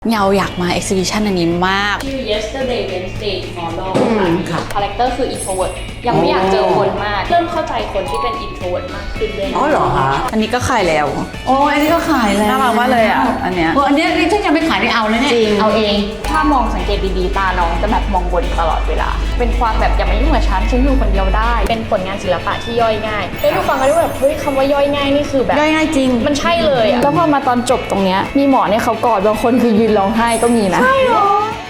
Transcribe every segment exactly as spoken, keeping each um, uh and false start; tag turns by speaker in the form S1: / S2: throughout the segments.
S1: เงาอยากมา exhibition อันนี้มาก
S2: ชื่อ yesterday Wednesday tomorrow ค่ะคาแรคเตอร์คือ introvert ยังไม่อยากเจอคนมากเริ่มเข้าใจคนที่เป็น introvert มากขึ้นด้วย
S3: อ๋อเหรอคะ
S1: อันนี้ก็ขายแล้ว
S3: โอ้อันนี้ก็ขายแล้ว
S1: น่ารักมากเลยอ่ะอันเนี้ย
S3: อันนี้นี่ถ้ายังไม่ขายนี่เอาเลยเนี่ย
S2: เอาเองถ้ามองสังเกตดีๆตาน้องจะแบบมองบนตลอดเวลาเป็นความแบบอย่ามายุ่งกับฉันฉันอยู่คนเดียวได้เป็นผลงานศิลปะที่ย่อยง่ายได้ดูฟังกันด้วยแบบเฮ้ยคำว่าย่อยง่ายนี่คือแบบ
S1: ย่อยง่ายจริง
S2: มันใช่เลยอ่ะแล้วพอมาตอนจบตรงเนี้ยมีหมอเนี่ยเขากอดบางคนคือยืนร้องไห้ก็มีนะใช่หรอ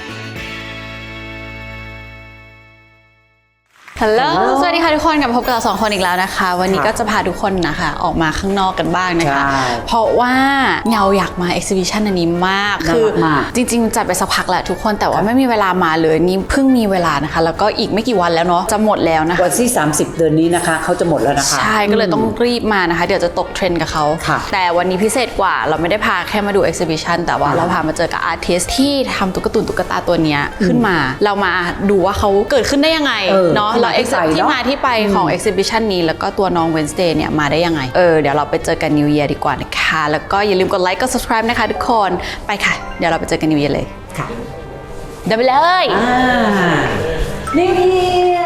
S1: ฮัลโหลสวัสดีค่ะทุกคนกลับมาพบกับเราสองคนอีกแล้วนะคะวันนี้ก็จะพาทุกคนนะคะออกมาข้างนอกกันบ้างนะคะเพราะว่าเงาอยากมา exhibition อันนี้มากคือจริงๆจัดไปสักพักแหละทุกคนแต่ว่าไม่มีเวลามาเลยนี่เพิ่งมีเวลานะคะแล้วก็อีกไม่กี่วันแล้วเนาะจะหมดแล้วนะคะ
S3: วันที่สามสิบเดือนนี้นะคะเขาจะหมดแล้วนะคะ
S1: ใช่ก็เลยต้องรีบมานะคะเดี๋ยวจะตกเทรนด์กับเขาแต่วันนี้พิเศษกว่าเราไม่ได้พาแค่มาดู exhibition แต่ว่าเราพามาเจอกับอาร์ติสที่ทำตุ๊กตาตุ๊กตาตัวนี้ขึ้นมาเรามาดูว่าเขาเกิดขึ้นได้ยังไงเนาะที่มาที่ไปของ exhibition นี้แล้วก็ตัวน้อง Wednesday เนี่ยมาได้ยังไงเออเดี๋ยวเราไปเจอกัน New Year ดีกว่านะคะแล้วก็อย่าลืมกดไลค์กด subscribe นะคะทุกคนไปค่ะเดี๋ยวเราไปเจอกัน New Year เลย
S3: ค่ะ
S1: เดี๋ยวไปเลย
S3: New Year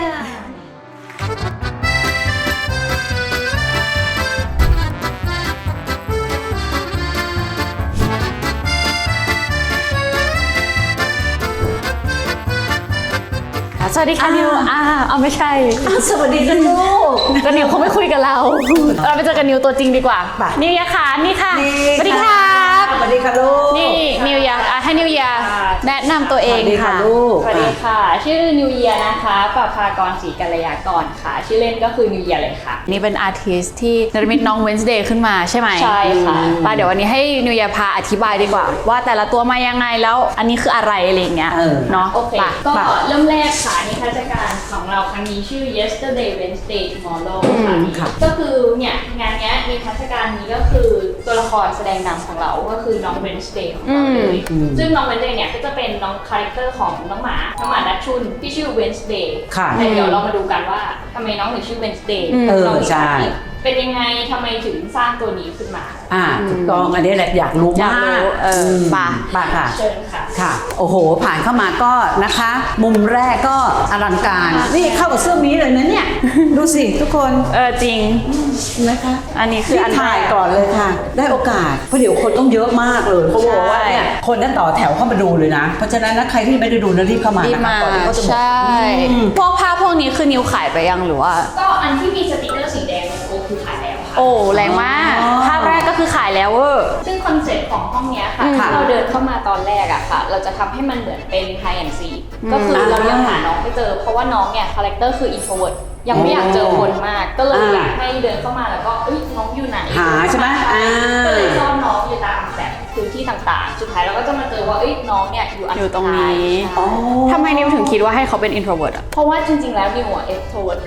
S1: สวัสดีค่ะนิวอ่าเอาไม่ใช่
S3: สวัสดีนะลูก
S1: ก็นิวเขาไม่คุยกับเราเราไปเจอกันนิวตัวจริงดีกว่านิวยาค่ะนี่ค่ะสวัสดีค่ะ
S3: สวัสดีค่ะลูก
S1: นี่นิวยาให้นิวยาแนะนำตัวเองค่ะ
S3: ลูก
S2: สวัสดีค่ะชื่อนิวเยียนะคะปภากรศรีกัลยากรค่ะชื่อเล่นก็คือนิวเยียเลยค่ะ
S1: นี่เป็นอาร์ติสที่นรมิตน้อง Wednesday ขึ้นมาใช่ไหม
S2: ใช่ค่ะ
S1: ป้าเดี๋ยววันนี้ให้นิวยาพาอธิบายดีกว่าว่าแต่ละตัวมายังไงแล้วอันนี้คืออะไรอะไรอย่างเงี้ยเนาะ
S2: โอเคก็เริ่มแรกค่ะนิทรรศการของเราครั้งนี้ชื่อ yesterday Wednesday tomorrow ค่ะก็คือเนี่ยงานนี้นิทรรศการนี้ก็คือตัวละครแสดงนำของเราก็คือน้อง Wednesday ของเราเลยซึ่งน้อง Wednesday เนี่ยก็จะเป็นน้องคาแรคเตอร์ของน้องหมาน้องหมาดัชชุนที่ชื่อ Wednesday แต่เดี๋ยวเรามาดูกันว่าทำไมน้องถึงชื่อ Wednesday
S3: เออใช่
S2: เป็นยังไงทำไมถึงสร้างตัวนี้ขึ้นมา
S3: อ่าถูกต้องอันนี้แหละอยากรู้มาก
S1: เออป่ะ
S3: ป่ะค่ะ
S2: เชิญค่ะ
S3: ค่ะโอ้โหผ่านเข้ามาก็นะคะมุมแรกก็อลังการนี่เข้ากับเสื้อมีเลยนะเนี่ยดูสิทุกคน
S1: เออจริง
S3: นะคะ
S1: อันนี้คืออัน
S3: ถ่ายก่อนเลยค่ะได้โอกาสเพราะเดี๋ยวคนต้องเยอะมากเลยเขาบอกว่าเนี่ยคนนั้นต่อแถวเข้ามาดูเลยนะเพราะฉะนั้นนะใครที่ไม่ได้ดูนะรีบเข้ามานะคะก่อนที่เขาจะหมด
S1: ใช่พวกภาพพวกนี้คือนิวขายไปยังหรือว่า
S2: ก็อันที่มีสติ๊กเกอร์สีแดงโอ้คือขายแล้ว
S1: โอ้แรงมากภาพแรกก็คือขายแล้วเวอร์
S2: ซึ่งคอนเซ็ปต์ของห้องนี้ค่ะถ้าเราเดินเข้ามาตอนแรกอะค่ะเราจะทำให้มันเหมือนเป็น high and seek ก็คือเรายังหาน้องไม่เจอเพราะว่าน้องเนี่ยคาแรคเตอร์คือ introvert ยังไม่อยากเจอคนมากก็เลยอยากให้เดินเข้ามาแล้วก็เอ้ยน้องอยู่ไหน
S3: หาใช่ไหม
S2: ก็เลยซ่อนน้องอยู่ตามแบบพื้นที่ต่างๆสุดท้ายเราก็จะมาเจอว่าเอ้ยน้องเนี่ยอยู่
S1: อยู่ตรงนี้ทำไมนิวถึงคิดว่าให้เขาเป็น introvert อ่ะ
S2: เพราะว่าจริงๆแล้วนิวอ่ะ extrovert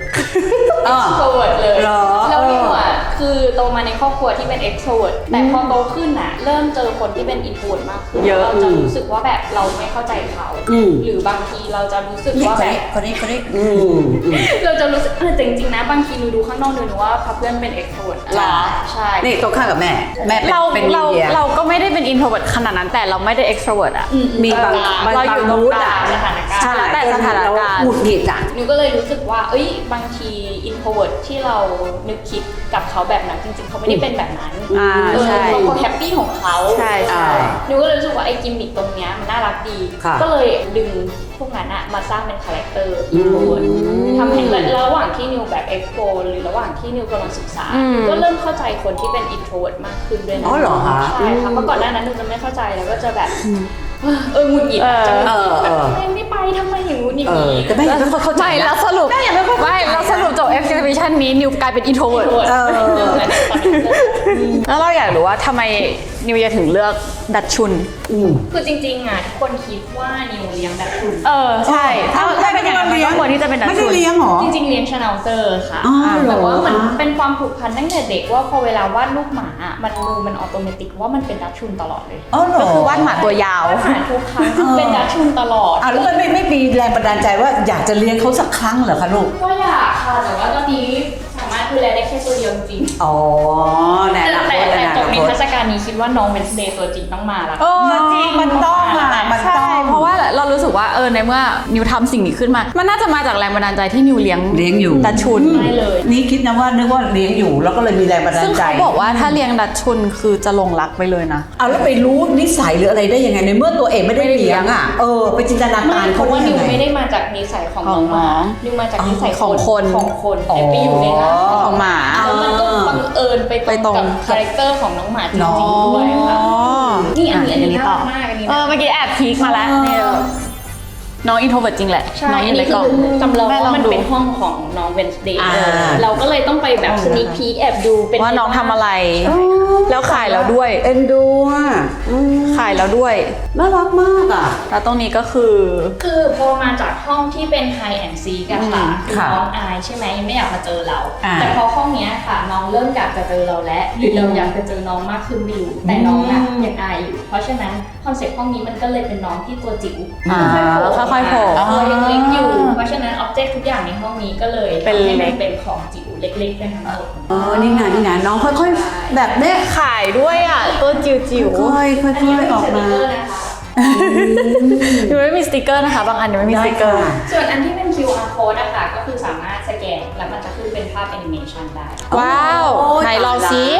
S2: extrovert เลยแล้วนิวอ่ะคือโตมาในครอบครัวที่เป็น extrovert แต่พอโตขึ้นอ่ะเริ่มเจอคนที่เป็น introvert มากขึ้นเราจะรู้สึกว่าแบบเราไม่เข้าใจเขาหรือบางทีเราจะรู้สึกว่าแบบ
S3: คนนี้คนนี้
S2: เราจะรู้สึกจริงๆนะบางทีหนูดูข้างนอกหนูนึกว่าเพื่อนเป็น extrovert
S1: หรอ
S2: ใช่
S3: นี่ตรงข้ามกับแม่แม่เป็น
S1: เราเราก็ไม่ได้เป็น introvert ขนาดนั้นแต่เราไม่ได้ extrovert อ่ะ
S3: มีบาง
S1: เราอยู่ตรงกลาง
S2: สถานการณ์
S1: ใช่แต่สถานการณ์
S3: หงุดหงิดอ่ะ
S2: หนูก็เลยรู้สึกว่าเอ้ยบางที introvert ที่เรานึกคิดกับเขาแบบนั้นจริงๆเขาไม่ได้เป็นแบบนั้นเออเขาแฮปปี้ของเขา
S1: ใช่ใช่
S2: หนูก็เลยรู้สึกว่าไอ้กิมมิคตรงเนี้ยมันน่ารักดีก็เลยดึงพวกนั้นอะมาสร้างเป็นคาแรคเตอร์ introvert ทำให้ระหว่างที่นิวแบบ explore หรือระหว่างที่นิวกำลังศึกษาก็เริ่มเข้าใจคนที่เป็น introvert มากขึ้นด้วยนะ
S3: อ๋อเหรอคะ
S2: ใช่ค่ะเมื่อก่อนหน้านั้นนิวจะไม่เข้าใจแล้วก็จะแบบเออหงุดหงิดจะหงุดหงิดแบบไม่ไปทำไมอย่างงู้นอย่างนี้
S3: แต่ไม่เข้าใจ
S1: แล้วสรุปไม่แล้วสรุปจบ exhibition นี้นิวกลายเป็น introvert แล้วเราอยากรู้ว่าทำไมนิวจะถึงเลือกดัชชุน
S2: คือจริงๆอ่ะทุกคนคิดว่านิวเลี้ยงดัชชุน
S1: เออใช่ถ้าถ้าเป็นอย่างนั้นก็ควรที่จะเป็นดัชชุน
S3: ไม่ได้เลี้ยงหรอ
S2: จริงๆเลี้ยงชาแนลเซอร์ค่ะแต่ว่ามันเป็นความผูกพันตั้งแต่เด็กว่าพอเวลาวาดรูปหมามันมือมันออโตเมติกว่ามันเป็นดัชชุนตลอดเลย
S1: ก็คือวาดหมาตัวยาว
S2: วาดหมาทุกครั้งเป็นดัชชุนตลอด
S3: อ่ะแล้วมันไม่ไม่มีแรงบันดาลใจว่าอยากจะเลี้ยงเขาสักครั้งเหรอคะลูก
S2: ก็อยากค่ะแต่ว่าตอนนี้สามารถดูแลได้แค่ตัวเดียวจริง
S3: อ๋อแน่
S2: แต่
S3: ละ
S2: แต่
S3: คน
S2: แต่
S3: แน่
S2: จ
S3: ละ
S2: บนิ
S3: คน
S2: ทรรศการนี้คิดว่าน้องเวนสเดย์ตัวจริงต้องมาละ
S1: เออจริง
S3: มันต้องอ่ะมัน
S1: ใช่
S3: ต้อง
S1: เพราะว่าเรารู้สึกว่าเออในเมื่อนิวทำสิ่งนี้ขึ้นมา มันน่าจะมาจากแรงบันดาลใจที่นิวเลี้ยง
S3: เลี้ยงอยู่
S1: ดัชชุน
S2: ไม่เลย
S3: นี่คิดนะว่านึกว่าเลี้ยงอยู่แล้วก็เลยมีแรงบันดา
S1: ซึ่
S3: ล
S1: ง
S3: ใจ
S1: เขาบอกว่าถ้าเลี้ยงดัชชุนคือจะหลงรักไปเลยนะ
S3: เอาแล้วไปรู้นิสัยหรืออะไรได้ยังไงในเมื่อตัวเองไม่ได้
S1: ไม่ได้เลี้
S3: เลี้
S1: ย
S3: ย
S1: ง
S3: งอ่ะเออไปจินตนา
S2: ไม่
S3: การ
S2: เพ
S3: เขา
S2: ราะว่า
S3: ได้
S2: นิ
S3: ยั
S2: ว
S3: งไง
S2: ไม่ได้มาจากนิสัยของ
S1: ข
S2: น้
S1: อ
S2: อง งหมา
S1: น้อง
S2: นิวมาจากนิสัย
S1: ของคน
S2: ของคนแต่ไปอยู่ในร่าง
S1: ของหมา
S2: แล้วมันก็บังเอิญไป
S1: ไป
S2: ต
S1: ต
S2: ร
S1: รง ง
S2: กับคาแรคเตอร์ของน้องหมาจ
S3: น้
S2: ริ
S3: อง
S2: งๆด้วยค่ะนี่อันนี้อันนี้
S1: ต่
S2: น่ารักมากอันนี้
S1: เออเมื่อกี้แอบพีคมาแล้วเนี่ยน้องอินโทรเวิร์ตจริงแหละ
S2: ใช่
S1: น้อง
S2: อั
S1: อน ยู่ใน
S2: นี้
S1: กล่อง
S2: คือจำลอง
S1: แม่ล
S2: ว่า
S1: อง
S2: มัน
S1: ดู
S2: เป็นห้องของน้องเวนสเดย์
S3: อ่า
S2: เราก็เลยต้องไปแบบสนิคพีคแอบดูเป็น
S1: ว่าน้องทำอะไร แล้วขายแล้วด้วย
S3: เอ็นดูอ่ะอืม
S1: ขายแล้วด้วย
S3: น่ารักมากอ่ะ
S1: แล้วตรงนี้ก็คือ
S2: คือพอมาจากห้องที่เป็น High and Seek อะค่ะ
S3: อืม
S2: คือ
S3: ค่ะ
S2: น้องอายใช่ไหมไม่อยากมาเจอเรา
S3: อ่า
S2: แต่พอห้องเนี้ยค่ะ น้องเริ่มอยากจะเจอเราแล้วหรือเราอยากจะเจอน้องมากขึ้นไม่รู้แต่น้องอะ
S3: อืม
S2: ยังอายอยู่ เพราะฉะนั้นคอนเซ็ปต์ห้องนี้มันก็เลยเป็นน้องที่ตัวจิ๋ว
S1: อ่าค่อยๆโผล่
S2: ตัวยังเล็กอยู่ เพราะฉะนั้นอ็อบเจกต์ทุกอย่างในห้องนี้ก็เลย
S1: เป็น
S2: ทำให้
S1: เล็
S2: มั
S1: ก
S2: นเป็นของจิ๋วเล็กๆกันทั้งหมด
S3: เออนี่ไงนี่ไงน้องค่อยๆ แบบเนี้ย
S1: ขายด้วยอ่ะ ตัวจิ๋วจิ๋ว
S3: ค่อยๆค่อยๆออกมา
S1: ยังไม่มีสติกเกอร์นะคะ บางอันยังไม่มีสติกเกอร์
S3: ได้ค่ะ
S2: ส่วนอันที่เป็น คิว อาร์ code อะค่ะก็คือสามารถสแกนแล้วมันจะขึ้นเป็นภาพแอนิเมชันได้
S1: ว้าว
S3: โอ้ย
S1: ไหนลอง
S3: ตายละ
S1: สิ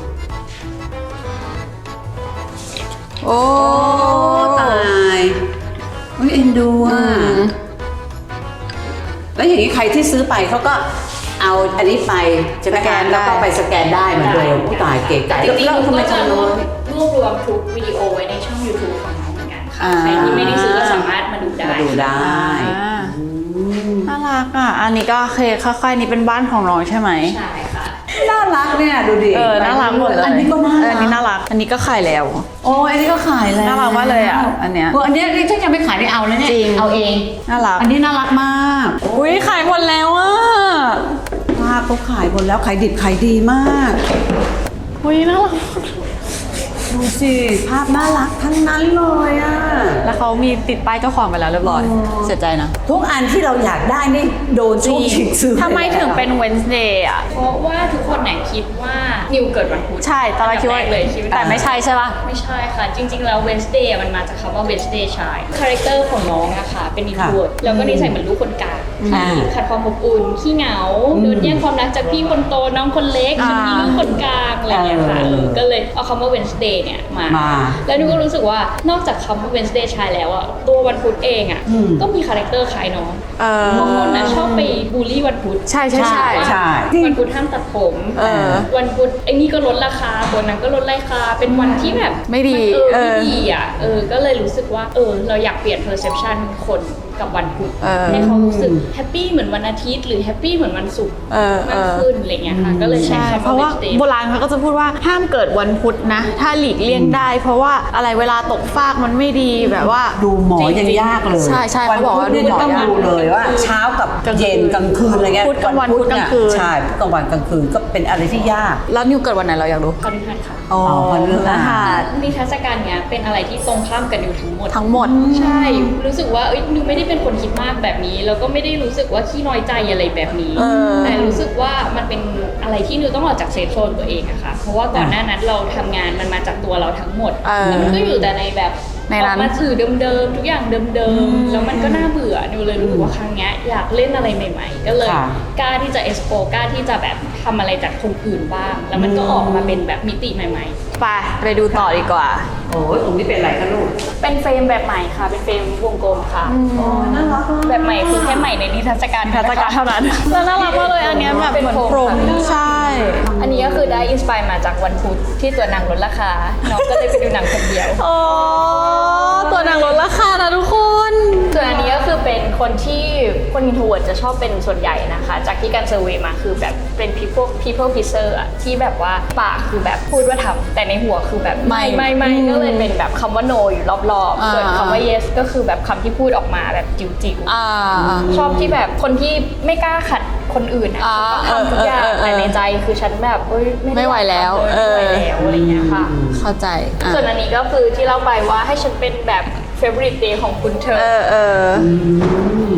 S1: โอ้
S3: ตายอุ้ยเอ็นดูอ่ะ
S1: อืม
S3: แล้วอย่างนี้ใครที่ซื้อไปเขาก็เอาอันนี้ไปใช่ไหม
S1: สแกนได้
S3: แล้วก็ไปสแกนได้เหมือนเดิมผู้ตายเก๋ไก่
S2: จริงๆ
S3: แล้ว
S2: เรา
S3: ทำไม
S2: ก็จะ
S3: ทำ
S2: รว
S3: น้
S2: บ
S3: อย
S2: รวบรวมทุกวิดีโอไว้ในช่อง YouTube ของน้องเหมือนกันค่ะ
S1: อ่า
S2: ใครที่ไม่ได้ซื้อก็สามารถมาดูได้
S3: มาดูได้
S1: อ่า
S3: อืม
S1: น่ารักอ่ะ อันนี้ก็โอเคค่อยๆนี่เป็นบ้านของน้องใช่ไหม
S2: ใช่ค่ะ
S3: น่ารักเนี่ยดูดิ
S1: เออ น่ารักหมดเลย
S3: อันนี้ก็น่า
S1: เออ
S3: รั
S1: อันนี้น่ารัก อันนี้ก็ขายแล้ว
S3: โอ้ยอันนี้ก็ขายแล้ว
S1: น่ารักมากเลยอ่ะอันเนี้ย
S3: เอออันเนี้ยนี่ฉันยังไม่ขายได้เอาแล้วเนี่ย
S1: จริง
S3: เอาเอง
S1: น่ารัก
S3: อันนี้น่ารักมาก
S1: อุ้ยขายหมดแล้วอ่ะ
S3: ภาพเขาขายหมดแล้วขายดิบขายดีมาก
S1: อุ้ยน่ารัก
S3: ดูสิภาพน่ารักทั้งนั้นเลยอ่ะ
S1: แล้วเขามีติดป้ายเจ้าของไปแล้วเรียบร้อย
S3: อ๋อ
S1: เสียใจนะ
S3: ทุกอันที่เราอยากได้นี่โดนช่วงชิงซื้อ
S1: ทำไมถึงเป็น Wednesday อ่ะ
S2: เพราะว่าทุกคนเนี่ยคิดว่านิวเกิดวันพุธ
S1: ใช่ ตอนแรกคิดว่า
S2: อันดับแรกเลยคิดว่า
S1: แต่ไม่ใช่ใช่ป่ะ
S2: ไม่ใช่ค่ะ จริง ๆ แล้ว Wednesday อะมันมาจากคำว่า Wednesday Child คาแรคเตอร์ของน้องอะค่ะ เป็น introvert แล้วก็นิสัยเหมือนลูกคนกลาง
S3: อ่า
S2: ที่ขาดความอบอุ่น ขี้เหงา
S3: อืม
S2: โดนแย่งความรักจากพี่คนโต น้องคนเล็ก
S1: อ่า
S2: ฉันมีลูกคนกลาง อะไรอย่างเงี้ยค่ะ
S3: เออ
S2: เออก็เลยเอาคำว่า Wednesday เนี่ยมา
S3: มา
S2: แล้วนิวก็รู้สึกว่านอกจากคำว่า Wednesday Child แล้วอะตัววันพุธเองอะ
S3: อืม
S2: ก็มีคาแรคเตอร์คล้ายน้อง
S1: เออ
S2: บางคนอะชอบไปบูลลี่วันพุธ
S1: ใช่ใช่ใช่
S3: ใช่
S2: วันพุธห้ามตัดผม
S1: เออ
S2: วันพุธไอ้นี่ก็ลดราคาตัวนั้นก็ลดราคา เป็นวันที่แบบ
S1: ไม่ดี
S2: นเออ
S1: เออ
S2: ไม่ดีอ่ะ เออ ก็เลยรู้สึกว่า เออ เราอยากเปลี่ยน perception คนกับวันพุธ
S1: เออ
S2: ให้เขารู้สึกแฮปปี้เหมือนวันอาทิตย์หรือแฮปปี้เหมือนวันศุกร์
S1: เออเอ
S2: มาก
S1: อ
S2: ขึ้นอะไรเงี้ยค่ะ ก็เลยใช้
S1: ใช่
S2: คำ
S1: เพราะว่า
S2: Wednesday
S1: โบราณเขาก็จะพูดว่าห้ามเกิดวันพุธนะ ถ้าหลีกเลี่ยงได้ เพราะว่าอะไรเวลาตกฟากมันไม่ดีแบบว่า
S3: ดูหมอยังยากเลย
S1: ใช่ใช่เขาบอกว่า
S3: วันพุธนี่
S1: ดูหมอ
S3: ต้อง
S1: ยาก
S3: ดูเลยว่า เช้ากับเย็นกลางคืนอะไรเงี้ย
S1: พุธกลางวัน
S3: พุธ
S1: พุธกลางคืน
S3: ใช่พุธกลางวันกลางคืนก็เป็นอะไรที่ยาก
S1: แล้วนิวเกิดวันไหนเราอยากรู้
S2: พฤหัสค่ะ
S1: อ๋อ
S3: พฤหัส
S1: นะคะ
S2: นิทรรศการเนี้ยเป็นอะไรที่ตรงข้ามกันอยู่ทั้งหมด
S1: ทั้งหมด
S2: ใช่ รู้สึกว่าเอ้ยนิวไม่ได้เป็นคนคิดมากแบบนี้ แล้วก็ไม่ได้รู้สึกว่าขี้น้อยใจอะไรแบบนี้
S1: เออ
S2: แต่รู้สึกว่ามันเป็นอะไรที่นิวต้องออกจากเซฟโซนตัวเองอะค่ะ เพราะว่าก่อนหน้านั้นเราทำงานมันมาจากตัวเราทั้งหมด
S1: เออ
S2: แล้วมันก็อยู่แต่ในแบบ
S1: ใน
S2: อ
S1: นั้
S2: อน กมาสื่อเดิมๆ ทุกอย่างเดิมๆ แล้วมันก็น่าเบื่อ นิวเลยรู้สึกว่าครั้งเนี้ยอยากเล่นอะไรใหม่ ๆ ก็เลย
S3: ค่ะ
S2: กล้าที่จะเอ็กซ์โปกล้าที่จะแบบทำอะไรจากคนอื่นบ้าง แล้วมันก็ออกมาเป็นแบบมิติใหม่ ๆ
S1: ไปไปดูต่อดีกว่า
S3: โอ้ยตรงนี้เป็นอะไรคะลูก
S2: เป็นเฟรมแบบใหม่ค่ะ เป็นเฟรมวงกลมค่ะ
S3: อ๋อน่ารักมาก
S2: แบบใหม่คือแค่ใหม่ในนิทรรศการ
S1: นิทรรศการเท่านั้น แล้วน่ารักมากเลยอันเนี้ยแบบเหมือนพรมใช่
S2: อันนี้ก็คือได้อินสปายมาจากวันพุธที่ตัวหนังลดราคา น้องก็เลยไปดูหนังคนเดียว
S1: โอ้ตัวนางลดราคานะทุกคน
S2: ส่วนอันนี้ก็คือเป็นคนที่คนอินโทรเวิร์ดจะชอบเป็นส่วนใหญ่นะคะ จากที่การเซอร์เวย์มาคือแบบเป็น people people pleaser อะที่แบบว่าปากคือแบบพูดว่าทำแต่ในหัวคือแบบ
S1: ไม่
S2: ไม่ไม่ก็เลยเป็นแบบคำว่า no อยู่รอบๆ ส่วนคำว่า yes ก็คือแบบคำที่พูดออกมาแบบจิ๋วๆ
S1: อ่า
S2: ชอบที่แบบคนที่ไม่กล้าขัดคนอื่นอะ
S1: อ่า
S2: ทำทุกอย่าง
S1: เออเออเออ
S2: แต่ในใจคือฉันแบบเอ้ยด้
S1: ไม่ไหวแล้ว
S2: ไม่ไหวแล้วอะไรเงี้ยค่ะ
S1: เข้าใจอ่ะ
S2: ส่วนอันนี้ก็คือที่เล่าไปว่าให้ฉันเป็นแบบ favorite day ของคุณเธ
S1: เอ
S2: อ
S1: อเออ
S2: ซึ่ง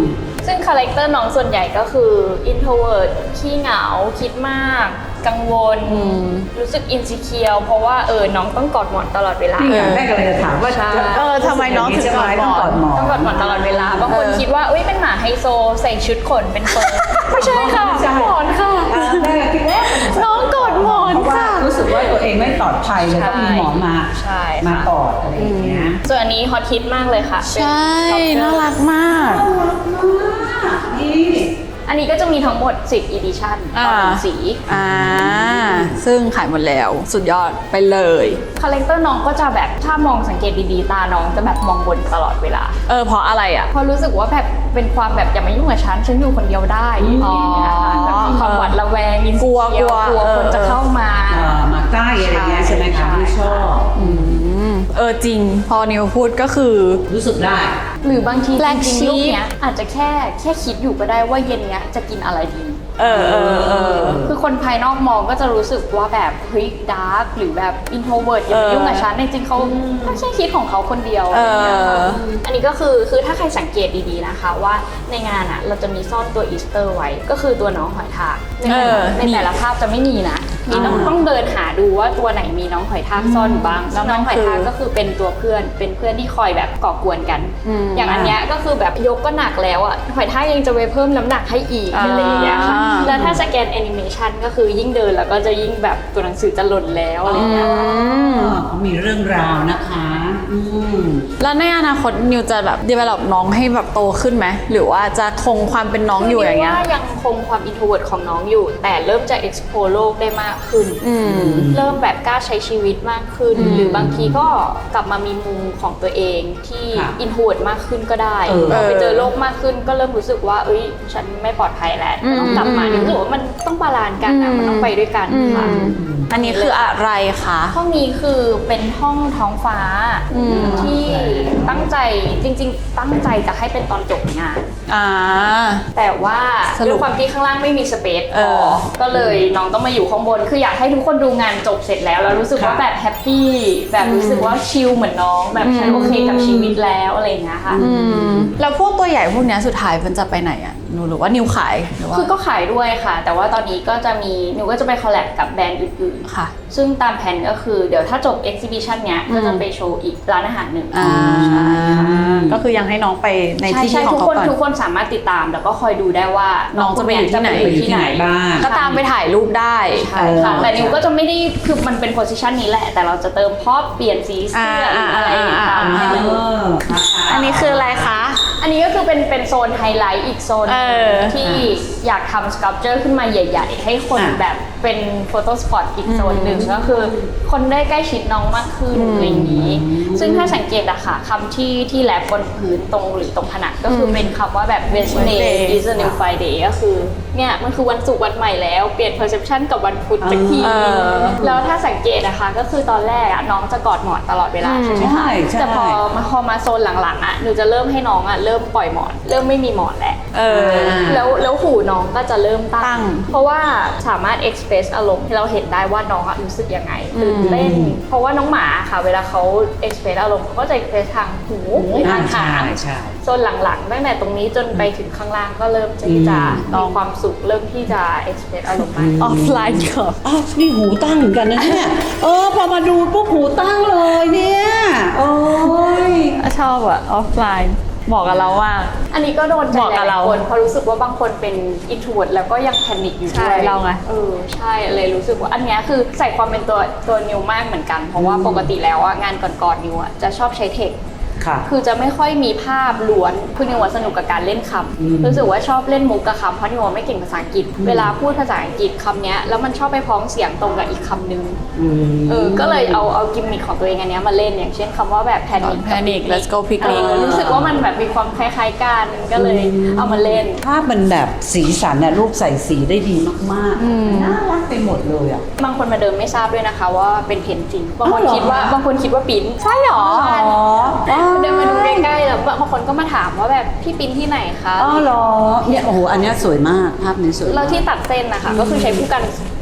S2: ซึ่งคาแรคเตอร์น้องส่วนใหญ่ก็คือ introvert ขี้เหงาคิดมากกังวลรู้สึก insecure เพราะว่าเออน้องต้องกอดหมอนตลอดเวลา
S3: นี่ไงแม่กำลังจะถามว่า
S1: เออทำไมน้องถึงกอดหมอน
S3: ต้องกอดหมอน
S2: ต้องกอดหมอนตลอดเวลาบางคนคิดว่าเอ้ยเป็นหมาไฮโซใส่ชุดขนเป็นเฟอร์ไม่ใช่ค่ะหมอนค่ะ
S3: แม่คิดว่า
S1: น้องกอดหมอน
S3: เพราะว่า
S1: ค่ะ
S3: รู้สึกว่าตัวเองไม่ปลอดภัยเลยต้องมีหมอมา
S2: ใช่
S3: มา
S2: ค่ะ
S3: กอดอะไรอย่างเงี้ย
S2: ส่วนอันนี้ฮอตฮิตมากเลยค่ะ
S1: ใช่
S2: เป็น
S1: น่ารักมาก
S3: นี่
S2: อันนี้ก็จะมีทั้งหมดสิบ edition ต่อหนึ่งสี
S1: อ่าซึ่งขายหมดแล้วสุดยอดไปเลย
S2: คาแรคเตอร์น้องก็จะแบบถ้ามองสังเกตดีๆตาน้องจะแบบมองบนตลอดเวลา
S1: เออเพราะอะไรอ่ะ
S2: เพราะรู้สึกว่าแบบเป็นความแบบอย่ามายุ่งกับฉันฉันอยู่คนเดียวได้อย่างเงี้ยค่ะแบบมีความหวาดระแวง
S1: กลัว
S2: insecure
S1: กลัว
S2: กลัว
S1: เออ
S2: คนจะเข้ามา
S3: เอ่อมาใกล้อะไรเงี้ยใช่ไหมคะที่ชอบ
S1: อืมเออจริง พอนิวพูดก็คือ
S3: รู้สึกได้
S2: หรือบางที
S1: Black
S2: จริงๆ
S1: sheep
S2: ลูกเนี้ยอาจจะแค่แค่คิดอยู่ก็ได้ว่าเย็นเนี้ยจะกินอะไรดี
S1: เออเออเออ
S2: คือคนภายนอกมองก็จะรู้สึกว่าแบบเฮ้ยดาร์กหรือแบบอินโทรเวิร์ดอย่ามายุ่งกับฉันจริงๆเขาก็แค่คิดของเขาคนเดียวอะไรอย่างเงี้ยค่ะ
S1: เออ
S2: อันนี้ก็คือคือถ้าใครสังเกตดีๆนะคะว่าในงานอ่ะเราจะมีซ่อนตัวอีสเตอร์ไว้ก็คือตัวน้องหอยทากในแต่ละในแต่ละภาพจะไม่มีนะมีต้องต้องเดินหาดูว่าตัวไหนมีน้องหอยทากซ่อนอยู่บ้างแล้วน้องหอยทากก็คือเป็นตัวเพื่อนเป็นเพื่อนที่คอยแบบก่อกวนกัน อย่างอันเนี้ยก็คือแบบยกก็หนักแล้วอ่ะหอยทากยังจะไปเพิ่มน้ำหนักให้อีกอะไรอย่างเงี้ยค่ะแล้วถ้าสแกนแอนิเมชันก็คือยิ่งเดินแล้วก็จะยิ่งแบบตัวหนังสือจะหล่นแล้วอะไรอย่างเงี้ย
S3: เขามีเรื่องราวนะคะอืม
S1: แล้วในอนาคตนิวจะแบบ develop น้องให้แบบโตขึ้นไหมหรือว่าจะคงความเป็นน้องอยู่อย่างเงี้ย
S2: ว่ายังคงความ introvert ของน้องอยู่ แต่เริ่มจะ explore โลกได้มากขึ้น
S1: อืม
S2: เริ่มแบบกล้าใช้ชีวิตมากขึ้น หรือบางทีก็กลับมามีมุมของตัวเองที่
S3: ค่ะ
S2: introvert มากขึ้นก็ได้
S3: เออ
S2: พอไปเจอโลกมากขึ้นก็เริ่มรู้สึกว่าเอ้ยฉันไม่ปลอดภัยแล้วก็ต้องกลับมารู้สึกว่ามันต้องบาลานซ์กันนะมันต้องไปด้วยกันค่ะ
S1: อันนี้คืออะไรคะ
S2: ห้องนี้คือเป็นห้องท้องฟ้าที่ตั้งใจจริงๆ ตั้งใจจะให้เป็นตอนจบงาน
S1: อ่า
S2: แต่ว่า
S1: สรุป
S2: ด้วยความที่ข้างล่างไม่มีสเปซพ
S1: เอ
S2: อ
S1: อ
S2: ก็เลยน้องต้องมาอยู่ข้างบน คืออยากให้ทุกคนดูงานจบเสร็จแล้ว แล้วรู้สึกว่า
S3: ค่ะ
S2: แบบแฮปปี้แบบรู้สึกว่าชิลเหมือนน้อง แบบฉันโอเคกับชีวิตแล้วอะไรอย่างเงี้ยค่ะ
S1: อืมแล้วพวกตัวใหญ่พวกเนี้ยสุดท้ายมันจะไปไหนอ่ะหนูหรือว่านิวขายหรือว่า
S2: คือก็ขายด้วยค่ะ แต่ว่าตอนนี้ก็จะมีหนูก็จะไปคอลแลบกับแบรนด์อื่นๆ
S1: ค่ะ
S2: ซึ่งตามแผนก็คือเดี๋ยวถ้าจบ exhibition เนี้ยก็จะไปโชว์อีกร้านอาหารหนึ่ง
S1: อ่า
S2: ใช่ค่ะ
S1: ก็คือยังให้น้องไปใน
S2: ใช่
S1: ที่
S2: ใช่
S1: ที่ของ
S2: ทุก
S1: เขา
S2: คน
S1: ก่อน
S2: ทุกคนสามารถติดตามแล้วก็คอยดูได้ว่า
S1: น้องจะไปอยู่ที่ไหน
S2: จะไปอยู่ที่ไหน
S3: บ้าง
S1: ก็ตามไปถ่ายรูปได้
S2: ใช่ค่ะแต่นิวก็จะไม่ได้คือมันเป็นโพสิชันนี้แหละ แต่เราจะเติมพอบเปลี่ยนสีเสื้อหรืออะไรตามให้มัน
S3: เออ
S1: อันนี้คืออะไรคะ
S2: อันนี้ก็คือเป็นเป็นโซนไฮไลท์อีกโซนหนึ่ง
S1: เออ
S2: ที่อยากทำสครับเจอร์ขึ้นมาใหญ่ๆ ให้คน
S3: อ่ะ
S2: แบบเป็นโฟโต้สปอตอีกโซนหนึ่งก็คือคนได้ใกล้ชิดน้องมากขึ้นอะไรอย่างนี้ ซึ่งถ้าสังเกตอะค่ะคำที่ที่แลบบนพื้นตรงหรือตรงผนังก็คือเป็นคำว่าแบบ Wednesday is a new Friday ก็คือเนี่ยมันคือวันศุกร์วันใหม่แล้วเปลี่ยน perception กับวันพุธสักที
S1: เออ
S2: แล้วถ้าสังเกตนะคะก็คือตอนแรกอะน้องจะกอดหมอนตลอดเวลาใช่ไหม
S3: ใช่
S2: คะ
S3: ใช่
S2: แต่พอมาพอมาโซนหลังๆอะหนูจะเริ่มให้น้องอะเริ่มปล่อยหมอน เริ่มไม่มีหมอนแล้ว
S1: เออ
S2: แล้วแล้วหูน้องก็จะเริ่ม
S1: ตั้
S2: ตั้
S1: ง
S2: ง เพราะว่าสามารถ express อารมณ์ให้เราเห็นได้ว่าน้องอะรู้สึกยังไงตื่นเต้น เพราะว่าน้องหมาค่ะ เวลาเขา express อารมณ์เขาก็จะ express ทางหูหรือทาง
S3: ใช่
S2: หาง
S3: ใช่
S2: โซนหลังๆตั้งแต่ตรงนี้จนไปถึงข้างล่างก็เริ่มที่จะ
S1: อืม
S2: มีความสุขเริ่มที่จะ express อารมณ์มาก
S1: ออฟไลน์ก่อน
S3: อ้าวนี่หูตั้งเหมือนกันนะเนี่ย เออพอมาดูปุ๊บหูตั้งเลยเนี่ย โอ้ย
S1: ชอบอะออฟไลน์บอกกับเราว่า
S2: อันนี้ก็โดนใจ
S1: เหมาะ
S2: ห
S1: กับ
S2: ลา
S1: เรา
S2: ยๆคนเพราะรู้สึกว่าบางคนเป็น introvert แล้วก็ยังแพนิคอยู่
S1: ใช่
S2: ด้วย
S1: เราไง
S2: เออใช่เลยรู้สึกว่าอันเนี้ยคือใส่ความเป็นตัวตัวนิวมากเหมือนกัน เพราะว่าปกติแล้วอะงานก่อนๆนิวอะจะชอบใช้เทค
S3: ค่ะ
S2: คือจะไม่ค่อยมีภาพล้วนคือนิวอะสนุกกับการเล่นค
S3: อืม
S2: ำรู้สึกว่าชอบเล่นมุกกับคำเพราะนิวอะไม่เก่งภาษาอังกฤษ เวลาพูดภาษาอังกฤษคำเนี้ยแล้วมันชอบไปพ้องเสียงตรงกับอีกคำนึง
S3: อืม
S2: เออก็เลยเอาเอากิมมิคของตัวเองอันเนี้ยมาเล่นอย่างเช่นคำว่าแบบ panic กับ
S1: Panic Let's go picnic
S2: เออรู้สึกว่ามันแบบมีความคล้ายๆกันก็เลยเอามาเล่น
S3: ภาพมันแบบสีสันน่ะรูปใส่สีได้ดีมากๆ น่ารักไปหมดเลยอ่ะ
S2: บางคนมาเดิมไม่ทราบด้วยนะคะว่าเป็นเพนจริง บางคน
S3: อ้าวเหรอ
S2: คิดว่าบางคนคิดว่าปิ้น
S1: ใช่หรอ
S2: ใช่
S3: อ๋อ
S2: เดินมาดูใกล้ๆแล้วบางคนก็มาถามว่าแบบพี่ปิ้นที่ไหนคะ
S3: อ๋อเหรอเนี่ยโอ้โหอันเนี้ยสวยมากภาพนี้สวยมาก
S2: เราที่ตัดเส้นนะคะก็คือใช้ผู้กัน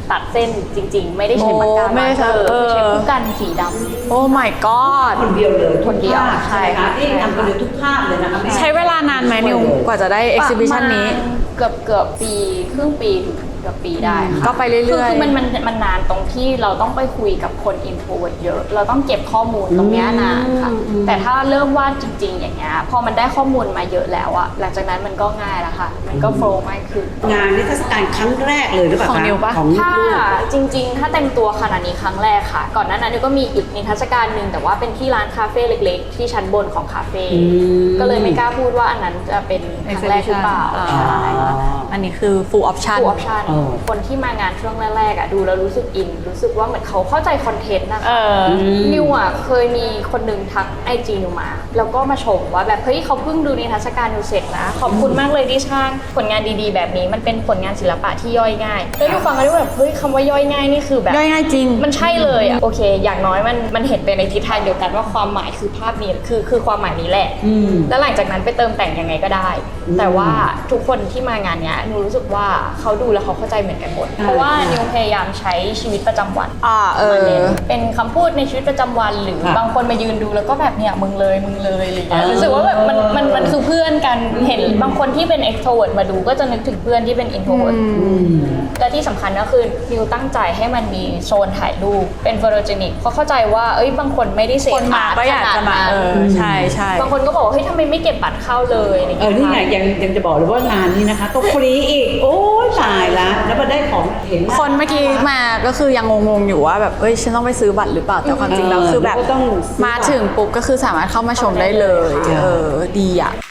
S2: ตัดเส้นจริงๆ ไม่ได้ใช้ปากกา
S1: โอ้ไม่ได้ใช้
S2: เออ
S1: เออ
S2: ใช้ผู้กันสีดำ
S1: โอ้ my god
S3: คนเดียวเลย
S2: คนเดียว
S3: ทุกภาพ
S2: ใช่
S3: ใช่ไหมคะที่ทำคนเดียวทุกภาพเลยนะคะแม่
S1: ใช้เวลานานไหมนิวกว่าจะได้ exhibition นี้
S2: ประมาณเกือบเกือบปีครึ่งปีถึงเกือบปีได้ค่ะ
S1: ก็ไปเรื่อยๆ
S2: คือคือมันมันมันนานตรงที่เราต้องไปคุยกับคน introvert เยอะ เราต้องเก็บข้อมูลตรงเนี้ยนานค่ะ แต่ถ้าเริ่มวาดจริง ๆ อย่างเงี้ยพอมันได้ข้อมูลมาเยอะแล้วอะหลังจากนั้นมันก็ง่ายแล้วค่ะ มันก็โฟล์มากขึ้น
S3: งานนิทรรศการครั้งแรกเลยหรือเปล่า
S1: ของ
S3: คะ
S1: นิวปะ
S3: ของ
S2: ถ้า
S3: ลูก
S2: จริงๆ ถ้าเต็มตัวขนาดนี้ครั้งแรกค่ะ ก่อนหน้านั้นนิวก็มีอีกนิทรรศการหนึ่งแต่ว่าเป็นที่ร้านคาเฟ่เล็กๆ ที่ชั้นบนของคาเฟ่
S3: ม
S2: ก็เลยไม่กล้าพูดว่าอันนั้นจะเป็นครั้งแรกหรือเปล่า
S1: อ่า
S2: ใช่
S1: อันนี้คือ full option
S2: ฟูลออปชั่น
S3: เออ
S2: คนที่มางานช่วงแรกๆอ่ะดูแล้วรู้สึกอิน รู้สึกว่าเหมือนเขาเข้าใจคอนเทนต์นะคะ
S1: เออ
S2: นิวอ่ะเคยมีคนหนึ่งทักไอจีนิวมา แล้วก็มาชมว่าแบบเฮ้ยเขาเพิ่งดูนิทรรศการนิวเสร็จนะ ขอบคุณมากเลยที่ช่างผลงานดีๆ แบบนี้มันเป็นผลงานศิลปะที่ย่อยง่ายแล้วนิวฟังก็ได้แบบเฮ้ยคำว่าย่อยง่ายนี่คือแบบ
S1: ย่อยง่ายจริง
S2: มันใช่เลยอ่ะโอเค อย่างน้อยมันมันเห็นไปในทิศทางเดียวกันว่าความหมายคือภาพนี้คือคือความหมายนี้แหละ
S3: อืม
S2: แล้วหลังจากนั้นไปเติมแต่งยังไงก็ได้
S3: อืม
S2: แต่ว่าทุกคนที่มางานเนี้ยนิวรู้สึกว่าเขาดูแล้วเขาเข้าใจเหมือนกันหมด
S3: อ่า
S2: เพราะว่านิวพยายามใช้ชีวิตประจำวัน
S1: อ่าเออ
S2: มาเน้นเป็นคำพูดในชีวิตประจำวันหรือ
S3: ค่ะ
S2: บางคนมายืนดูแล้วก็แบบเนี่ยมึงเลยมึงเลยอะไรอย่างเงี้ย
S3: อ่ารู้
S2: รู้สึกว่าแบบมันมันมันคือเพื่อนกันเห็นบางคนที่เป็น extrovert มาดูก็จะนึกถึงเพื่อนที่เป็น introvert
S3: อืม
S2: และที่สำคัญก็คือนิวตั้งใจให้มันมีโซนถ่ายรูปเป็นโฟโตเจนิกเพราะเข้าใจว่าเอ้ยบางคนไม่ได้เสพ
S1: คนมาก็อยากจะมา
S2: ขนดนั้น
S1: เออใช่ใช่
S2: บางคนก็บอกว่าเฮ้ยทำไมไม่เก็บบัตรเข้าเลยอะไรอย่าง
S3: เออ
S2: เงี้ย
S3: นี่ไงยังยังจะบอกเลยว่างานนี้นะคะก็ฟรีอีก โอ้ยตายละแล้วมาได้ของเห็น
S1: คนเมื่อกี้มาก็คือยังงงๆอยู่ว่าแบบเอ้ยฉันต้องไปซื้อบัตรหรือเปล่าแต่ความจริงแล้วคือแบบ
S3: เออก็ต้องซื้อ
S1: มาถึงปุ๊บก็คือสามารถเข้ามาชมได้เลย
S3: ใช่
S1: เออดีอ่ะ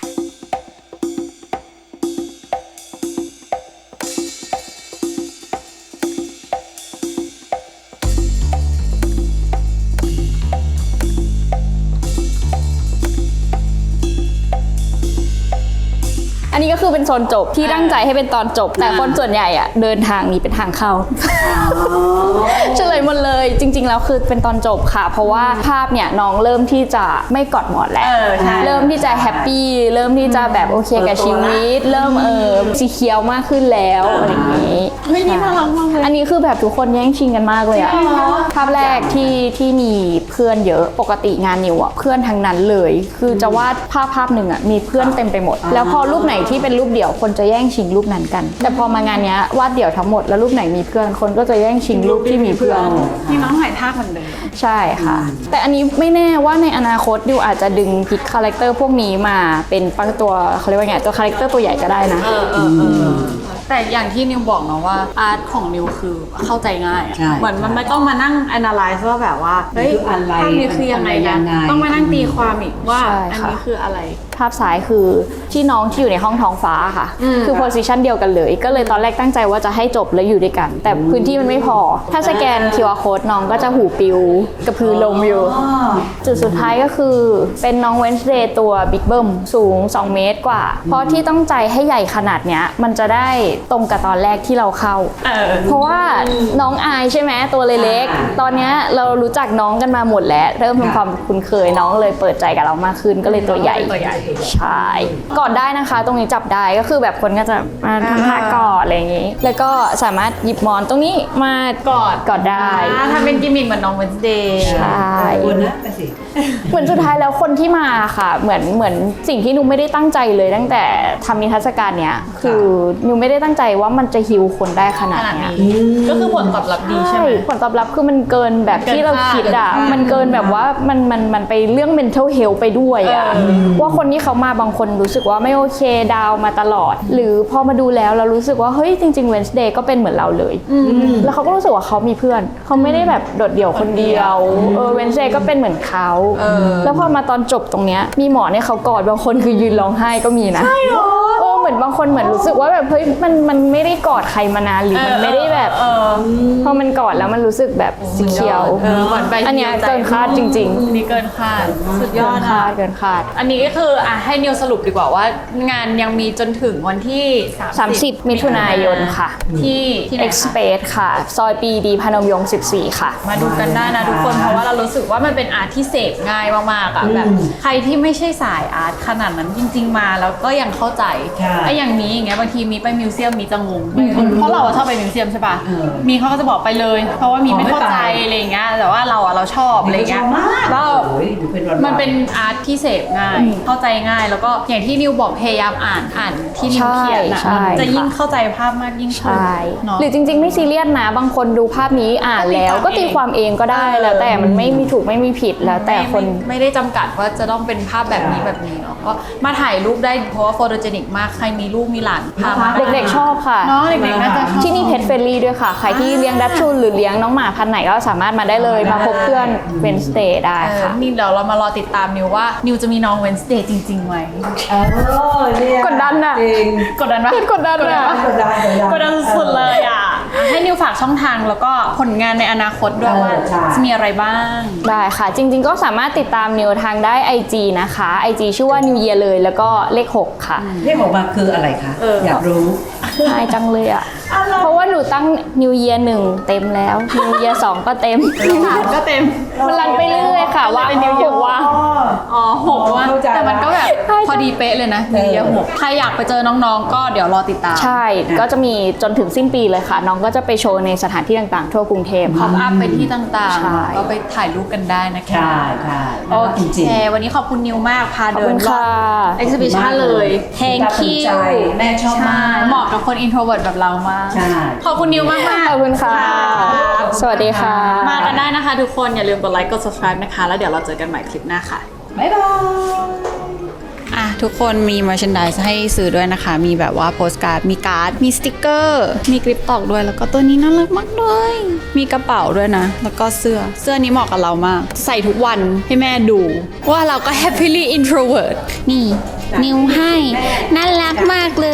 S2: อันนี้ก็คือเป็นโซนจบที่ตั้งใจให้เป็นตอนจบ แต่คนส่วนใหญ่อะเดินทางนี้เป็นทางเข้า เฉลยหมดเลยจริง ๆ แล้วคือเป็นตอนจบค่ะ เพราะว่าภาพเนี่ยน้องเริ่มที่จะไม่กอดหมอนแล้ว
S1: เออใช่
S2: เริ่มที่จะแฮปปี้เริ่มที่จะแบบโอเคกับชีวิต เริ่มเออสีเขียวมากขึ้นแล้วอะไรอย่างนี้
S1: เฮ้ยนี่น่ารักมากเลย
S2: อันนี้คือแบบทุกคนแย่งชิงกันมากเลยอะภาพแรกที่ที่มีเพื่อนเยอะปกติงานนิวอะเพื่อนทั้งนั้นเลย คือจะวาดภาพภาพหนึ่งอะมีเพื่อนเต็มไปหมด แล้วพอรูปไหนที่เป็นรูปเดี่ยวคนจะแย่งชิงรูปนั้นกัน แต่พอมางานเนี้ยวาดเดี่ยวทั้งหมดแล้วรูปไหนมีเพื่อนคนก็จะแย่งชิงรูปที่มีเพื่อน
S1: นี่น้องถ่ายท่าเหมือนเดิม
S2: ใช่ค่ะ แต่อันนี้ไม่แน่ว่าในอนาคตดิวอาจจะดึงพิกคาแรคเตอร์พวกนี้มาเป็นปักตัวเขาเรียกว่าไงตัวคาแรคเตอร์ตัวใหญ่ก็ได้นะ
S1: เออเออเออแต่อย่างที่นิวบอกเนาะว่าอาร์ตของนิวคือเข้าใจง่ายอะ
S3: ใช่
S1: เหมือนมันไม่ต้องมานั่ง analyze ว่าแบบว่าเฮ้ย
S3: คืออะไร
S1: ภาพนี้คือยังไง
S3: มันยั
S1: นะ
S3: งไง
S1: ต้องมานั่งตีความอีกว่า
S2: ใช่
S1: อัน
S2: ค่ะ
S1: นี้คืออะไร
S2: ภาพซ้ายคือที่น้องที่อยู่ในห้องท้องฟ้าค่ะ
S1: อืม
S2: คือโพสิชันเดียวกันเลย ก็เลยตอนแรกตั้งใจว่าจะให้จบแล้วอยู่ด้วยกัน แต่พื้นที่มันไม่พอ ถ้าสแกน คิว อาร์ code น้องก็จะหูปิวกระพือลมอยู่
S3: อ๋อ
S2: จุดสุดท้ายก็คือเป็นน้องเวนส์เดย์ตัวบิ๊กเบิ้มสูง สอง เมตรกว่า เพราะที่ต้องใจให้ใหญ่ขนาดเนี้ยมันจะได้ตรงกับตอนแรกที่เราเข้า
S1: เออ
S2: เพราะว่าน้องอายใช่ไหมตัวเล็กๆตอนเนี้ยเรารู้จักน้องกันมาหมดแล้ว เริ่มทำความคุ้นเคยน้องเลยเปิดใจกับเรามากขึ้นก็เลยตัวใหญ่
S1: ตัวใหญ่
S2: ใช่กอดได้นะคะ ตรงนี้จับได้ก็คือแบบคนก็จะมาทำท่ากอดอะไรอย่างนี้ แล้วก็สามารถหยิบหมอนตรงนี้มากอดกอดได้
S1: อ่าทำเป็นกิมมิคเหมือนน้องเวนส์เดย์
S2: ใช่
S3: คนนะแต่สิ
S2: เหมือนสุดท้ายแล้วคนที่มาค่ะเหมือนเหมือนสิ่งที่นุ้ไม่ได้ตั้งใจเลยตั้งแต่ทำนิทรรศการเนี้ยคือนุ้ไม่ได้ตั้งใจว่ามันจะฮิวคนได้ขนาด
S1: ขนาด
S2: เนี้ย
S1: นี้ก็คือผลตอบรับดีใช่ไหม
S2: ผลตอบรับคือมันเกินแบบที่เราคิดอ่ะ
S1: เกินคาด
S2: มันเกินแบบว่ามันมันมันไปเรื่อง mental health ไปด้วยอ่ะ
S1: เออ
S2: ว่าคนที่เขามาบางคนรู้สึกว่าไม่โอเคดาวมาตลอด หรือพอมาดูแล้วเรารู้สึกว่าเฮ้ยจริงๆ Wednesday ก็เป็นเหมือนเราเลย แล้วเขาก็รู้สึกว่าเขามีเพื่อนเขาไม่ได้แบบโดดเดี่ยวคนเดียวเออ Wednesday ก็เป็นเหมือนเขา
S1: เออ
S2: แล้วพอมาตอนจบตรงเนี้ยมีหมอเนี่ยเขากอดบางคนคือยืนร้องไห้ก็มีนะใช่หรอเออเหมือนบางคนเหมือนรู้สึกว่าแบบเฮ้ยมันมันไม่ได้กอดใครมานานหรือมันไม่ได้แบบ
S1: เออ
S2: พอมันกอดแล้วมันรู้สึกแบบสีเขียว
S1: เออเหมือนไป
S2: อันเนี้ยเกินคาดจริง
S1: ๆนี่เกินคาดสุด
S2: ๆ
S1: ยอด
S2: เกินคา
S1: อ่ะ
S2: ดเกินคาด
S1: อันนี้ก็คืออ่ะให้นิวสรุปดีกว่าว่างานยังมีจนถึงวันที่
S2: สามสิบ มิถุนายนค่ะ
S1: ที่ที่ไหนคะ
S2: X-Space ค่ะ ซอยปรีดีพนมยงค์สิบสี่ ค่ะ
S1: มาดูกันได้นะทุกคนเพราะว่าเรารู้สึกว่ามันเป็นอาร์ตที่เสพง่ายมากๆอ่ะแบบใครที่ไม่ใช่สายอาร์ตขนาดนั้นจริง ๆ มาแล้วก็ยังเข้าใจ
S3: ใช่
S1: ไออย่างนี้อย่างเงี้ยบางทีมีไปมิวเซียมมีจะงง
S3: อืม
S1: เพราะเราอะชอบไปมิวเซียมใช่ป่ะ
S3: เออ
S1: มีเขาก็จะบอกไปเลย เพราะว่ามี
S3: อ๋อ
S1: ไม่เข้าใจ
S3: ไม่ไป
S1: อะไรอย่างเงี้ยแต่ว่าเราอะเราชอบอะไรเงี้ย
S3: ชอบมาก
S1: แล้ว
S3: โอ้ยดูเป็นวันๆ
S1: มันเป็นอาร์ตที่เสพง่าย เข้าใจง่ายแล้วก็อย่างที่นิวบอกพยายามอ่านอ่านที่นิวเขียนนะ
S4: ใช่ใช่
S1: จะยิ่งเข้าใจภาพมากยิ่งขึ้น
S4: ใช่
S1: เนาะ
S4: หรือจริงๆไม่ซีเรียสนะบางคนดูภาพนี้อ่านแล้ว
S1: ก็
S4: ก็
S1: ตี
S4: ตีความเองก็ได้
S1: เออ
S4: แล้วแต่มันไม่มีถูกไม่มีผิดแล้วแต่คน
S1: ไม่ไม่ไม่ได้จำกัดว่าจะต้องเป็นภาพแบบนี้แบบนี้เนาะก็มาถ่ายรูปได้เพราะว่าโฟโตเจนิกมากใครมีลูกมีหลานพามา
S4: เด็กๆชอบค่ะ
S1: เนาะเด็กๆน่าจะชอบ
S4: ที่นี่เพ t เฟรนลี่ด้วยค่ะ ใครที่เลี้ยงดัชชูหรือเลี้ยงน้องหมาพันธุ์ไหนก็สามารถมาได้เลย มาพบเพื่อนเวนสเ a ย์ได้
S1: เออ
S4: ค่ะ
S1: นี่เดี๋ยวเรามารอติดตามนิวว่านิวจะมีน้องเวนสเดย์จริงๆไหม
S3: เออเนี่ย
S4: กดดันอะ
S3: จริง
S1: กดดันปะ
S4: กดดันอะ
S1: ป
S3: กดดัน
S1: กดดันสุดๆเลยอ่ะให้นิวฝากช่องทางแล้วก็ผลงานในอนาคตด้วย
S3: เออ
S1: ว่า
S3: ใช่
S1: จะมีอะไรบ้าง
S4: ได้ค่ะ จริงๆก็สามารถติดตามนิวทางได้ ไอ จี นะคะ ไอ จี ชื่อว่า New Year เลยแล้วก็เลขหกค่ะ
S3: เรียกออกมาคืออะไรคะ
S1: เอออ
S3: อยากรู้
S4: ง่ายจังเลยอ่ะ เพราะว่าหนูตั้ง New Year หนึ่งเต็มแล้ว New Year สองก็เต็ม
S1: สามก็เต็ม
S4: มันรันไปเรื่อยๆค่ะ ว่า
S1: เป็น New Year
S4: ว่า
S1: อ๋อหกว่า
S3: เข้าใจ
S1: แต่มันก็แบบ
S4: ใช่
S1: พอดีเป๊ะเลยนะนิวเยียร์หกใครอยากไปเจอน้องๆ ก็เดี๋ยวรอติดตาม
S4: ใช่ ก็จะมีจนถึงสิ้นปีเลยค่ะ น้องก็จะไปโชว์ในสถานที่ต่างๆ ทั่วกรุงเทพ
S1: พอ
S4: ค่ะ
S1: ปอัพไปที่ต่าง
S4: ใช่
S1: ๆ ก็ไปถ่ายรูปกันได้นะคะ
S3: ใช่ใช่
S1: โอ
S3: จริง
S1: เค วันนี้ขอบคุณนิวมาก พา
S4: ขอบ
S1: เดิ
S4: คุ
S1: น
S4: ณ
S1: รอ
S4: ค่ะ
S1: บ exhibition เลย thank
S3: ภูมิ
S1: you
S3: ใจแม่ชอบมาก
S1: เหมาะกับคน introvert แบบเรามาก
S3: ใช่
S1: ขอบคุณนิวมากมาก
S4: ขอบคุณค่ะ สวัสดีค่ะ
S1: มากันได้นะคะทุกคน อย่าลืมกดไลค์ กด subscribe นะคะ แล้วเดี๋ยวเราเจอกันใหม่คลิปหน้าค่ะ
S3: บ๊ายบาย
S1: อ่ะทุกคนมี merchandise ให้ซื้อด้วยนะคะ มีแบบว่าโปสการ์ด มีการ์ด มีสติกเกอร์ มีกริปตอกด้วย แล้วก็ตัวนี้น่ารักมากเลย มีกระเป๋าด้วยนะ แล้วก็เสื้อ เสื้อนี้เหมาะกับเรามาก ใส่ทุกวันให้แม่ดู ว่าเราก็ happily introvert นี่ นิวให้ น่ารักมากเลย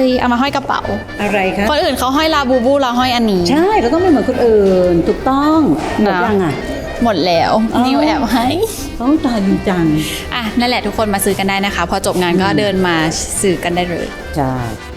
S1: เอามาห้อยกระเป๋า
S3: อะไรคะ
S1: คนอื่นเขาห้อยลาบูบูเราห้อยอันนี้
S3: ใช่ เราต้องไม่เหมือนคนอื่น ถูกต้องหมด
S1: นะ
S3: ยังอ่ะ
S1: หมดแล้ว
S3: อ๋อ
S1: นิวแอบให้
S3: ต้องตายดีจัง
S1: อ่ะนั่นแหละทุกคนมาซื้อกันได้นะคะ พอจบงานก็เดินมาซื้อกันได้เลย
S3: ใช่